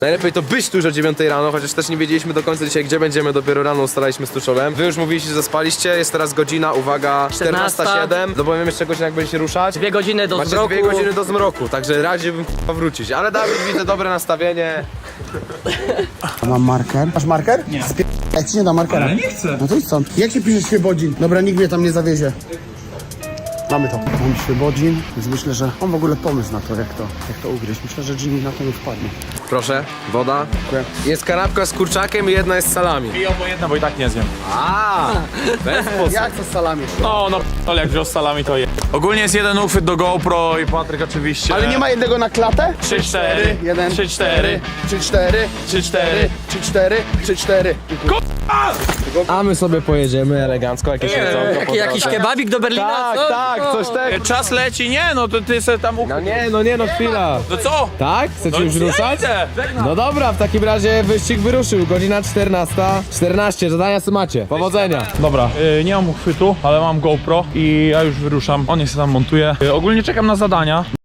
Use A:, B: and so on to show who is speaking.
A: Najlepiej to być tu już o 9 rano, chociaż też nie wiedzieliśmy do końca dzisiaj, gdzie będziemy, dopiero rano ustalaliśmy z Tuszolem. Wy już mówiliście, że zaspaliście, jest teraz godzina, uwaga, 14:07. Dopowiem jeszcze godzina, jak będziecie ruszać.
B: 2 godziny do
A: Macie
B: zmroku.
A: 2 godziny do zmroku, także radziłbym wrócić. Ale Dawid, widzę dobre nastawienie.
C: Mam marker. Masz marker? Nie. Jak ci nie da markera?
D: Ale nie chcę.
C: No to idź stąd. Jak się pisze Świebodzin? Dobra, nikt mnie tam nie zawiezie. Mamy to. Mam Świebodzin, więc myślę, że mam w ogóle pomysł na to, jak to ugryźć. Myślę, że Jimmy na to nie wpadnie.
A: Proszę, woda.
C: Dziękuję.
A: Jest kanapka z kurczakiem i jedna jest z salami.
D: I obojętna, bo i tak nie zjem.
A: A, w ten sposób.
C: Jak to z salami?
D: No, ale jak wziął z salami, to je. Ogólnie jest jeden uchwyt do GoPro i Patryk oczywiście.
C: Ale nie ma jednego na klatę?
D: 3-4.
C: 1,
D: 3-4.
C: 3-4,
D: 3-4.
C: 3-4, 3-4.
A: A my sobie pojedziemy elegancko, jakieś jedzonko.
B: Jakiś kebabik do Berlina?
A: Tak,
B: co?
A: tak, coś tego.
D: Czas leci, nie, no to ty se tam uchwyt.
A: No chwila.
D: No co?
A: Tak? Chcecie już
D: ja
A: ruszać?
D: idę.
A: No dobra, w takim razie wyścig wyruszył. Godzina 14:14, zadania co macie. Powodzenia.
D: Dobra, nie mam uchwytu, ale mam GoPro i ja już wyruszam. On się tam montuje. Ogólnie czekam na zadania.